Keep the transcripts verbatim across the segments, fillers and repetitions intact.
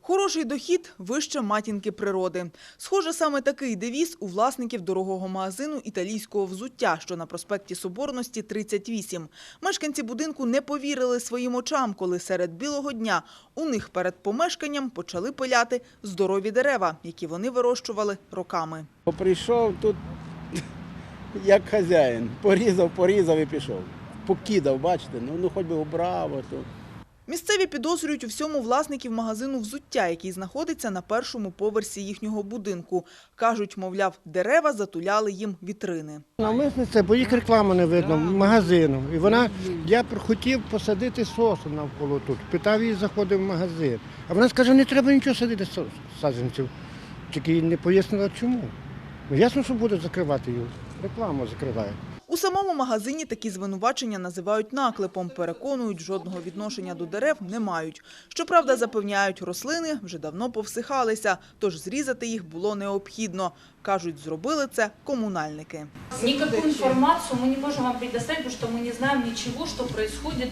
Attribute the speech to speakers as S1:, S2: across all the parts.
S1: Хороший дохід – вище матінки природи. Схоже, саме такий девіз у власників дорогого магазину італійського взуття, що на проспекті Соборності, тридцять вісім. Мешканці будинку не повірили своїм очам, коли серед білого дня у них перед помешканням почали пиляти здорові дерева, які вони вирощували роками.
S2: Прийшов тут як хазяїн, порізав, порізав і пішов. Покидав, бачите, ну, ну хоч би убрав. То.
S1: Місцеві підозрюють у всьому власників магазину взуття, який знаходиться на першому поверсі їхнього будинку. Кажуть, мовляв, дерева затуляли їм вітрини.
S3: Навмисне це, бо їх реклама не видно, магазину. І вона, я хотів посадити сосу навколо тут. Питав її, заходив в магазин. А вона скаже, не треба нічого садити саджанців. Тільки не пояснила, чому. Ну, ясно, що буде закривати її. Рекламу закриває.
S1: У самому магазині такі звинувачення називають наклепом. Переконують, жодного відношення до дерев не мають. Щоправда, запевняють, рослини вже давно повсихалися, тож зрізати їх було необхідно. Кажуть, зробили це комунальники.
S4: Никакую информацию мы не можем вам предоставить, потому что мы не знаем ничего, что происходит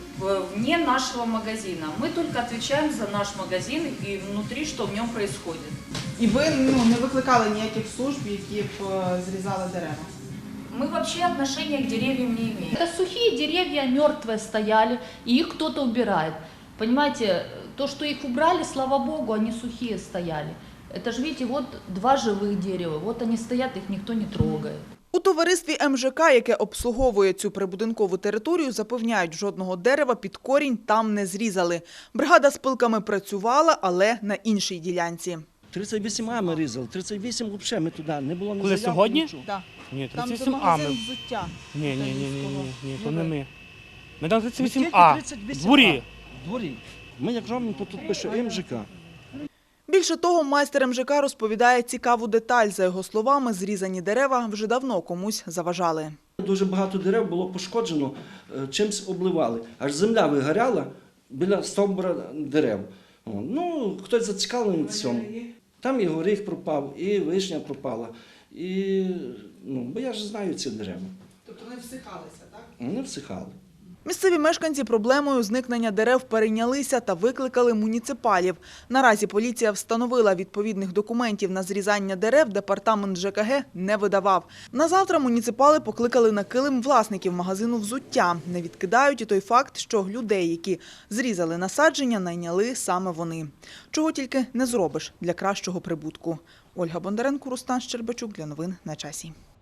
S4: вне нашего магазина. Мы только отвечаем за наш магазин и внутри, что в нем происходит.
S1: І ви ну, не викликали ніяких служб, які б зрізали дерева?
S4: Мы вообще отношения к деревьям не имеем. Это сухие деревья, мертвые стояли, и их кто-то убирает. Понимаете, то, что их убрали, слава богу, они сухие стояли. Это же, видите, вот два живых дерева, вот они стоят, их никто не трогает.
S1: У товаристві ем же ка, яке обслуговує цю прибудинкову територію, запевняють, жодного дерева під корінь там не зрізали. Бригада з пилками працювала, але на іншій ділянці.
S5: тридцять вісім А ми різали, тридцять вісім взагалі ми туди не було.
S6: Коли сьогодні?
S5: Нічого.
S1: Так.
S6: Ні,
S1: Там
S6: тридцять
S1: це
S6: вісім А ми.
S1: магазин взуття.
S6: Ні, ні, ні, ні, ні, ні, то
S1: Ну,
S6: не
S1: ви.
S6: ми. Ми там тридцять
S5: Ми
S6: вісім
S5: тільки
S6: А,
S5: тридцять вісім
S6: в дворі.
S5: В дворі. Ми як робимо, то тут пише ем же ка.
S1: Більше того, майстер ем же ка розповідає цікаву деталь. За його словами, зрізані дерева вже давно комусь заважали.
S5: Дуже багато дерев було пошкоджено, е, чимось обливали. Аж земля вигоряла біля стовбура дерев. О, ну, хтось зацікавлений в цьому. Там і горіх пропав, і вишня пропала. І, ну, бо я ж знаю ці дерева.
S1: Тобто вони всихалися, так?
S5: Вони всихали.
S1: Місцеві мешканці проблемою зникнення дерев перейнялися та викликали муніципалів. Наразі поліція встановила, відповідних документів на зрізання дерев департамент же ка ге не видавав. Назавтра муніципали покликали на килим власників магазину взуття. Не відкидають і той факт, що людей, які зрізали насадження, найняли саме вони. Чого тільки не зробиш для кращого прибутку. Ольга Бондаренко, Рустам Щербачук. Для новин на часі.